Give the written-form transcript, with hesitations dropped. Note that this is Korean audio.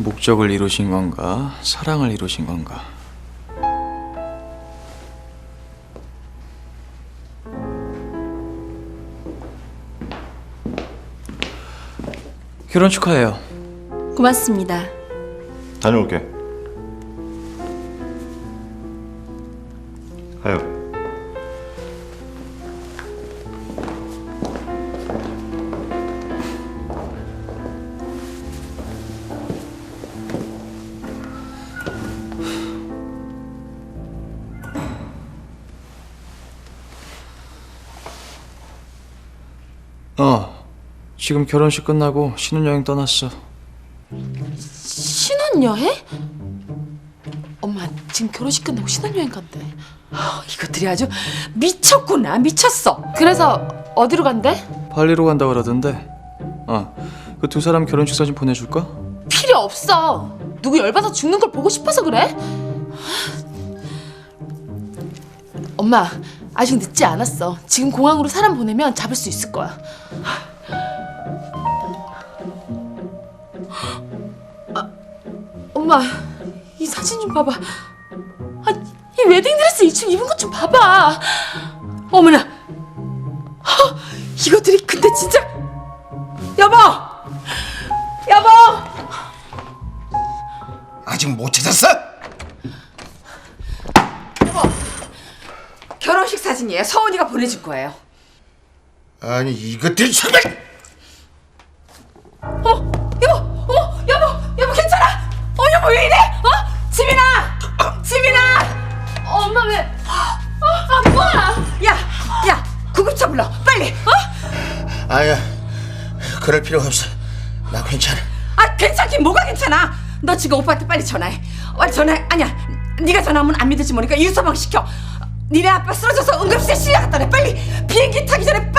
목적을 이루신 건가? 사랑을 이루신 건가? 결혼 축하해요. 고맙습니다. 다녀올게. 가요. 지금 결혼식 끝나고 신혼여행 떠났어. 신혼여행? 엄마 지금 결혼식 끝나고 신혼여행 간대. 이것들이 아주 미쳤구나, 미쳤어. 그래서 어디로 간대? 발리로 간다 그러던데. 그 두 사람 결혼식 사진 보내줄까? 필요 없어. 누구 열받아 죽는 걸 보고 싶어서 그래? 엄마 아직 늦지 않았어. 지금 공항으로 사람 보내면 잡을 수 있을 거야. 엄마 이 사진 좀 봐봐. 이 웨딩드레스 2층 입은 것 좀 봐봐. 어머나, 이것들이 근데 진짜. 여보, 여보. 아직 못 찾았어? 결혼식 사진이에요. 서은이가 보내줄 거예요. 아니 이것들이 정말. 여보 괜찮아? 여보 왜 이래? 지민아. 엄마 왜? 아빠. 야, 구급차 불러, 빨리. 아야, 그럴 필요가 없어. 나 괜찮아. 괜찮긴 뭐가 괜찮아? 너 지금 오빠한테 빨리 전화해. 빨리 전화해. 아니야, 네가 전화하면 안 믿을지 모르니까 유서방 시켜. 니네 아빠 쓰러져서 응급실에 실려갔다네. 빨리 비행기 타기 전에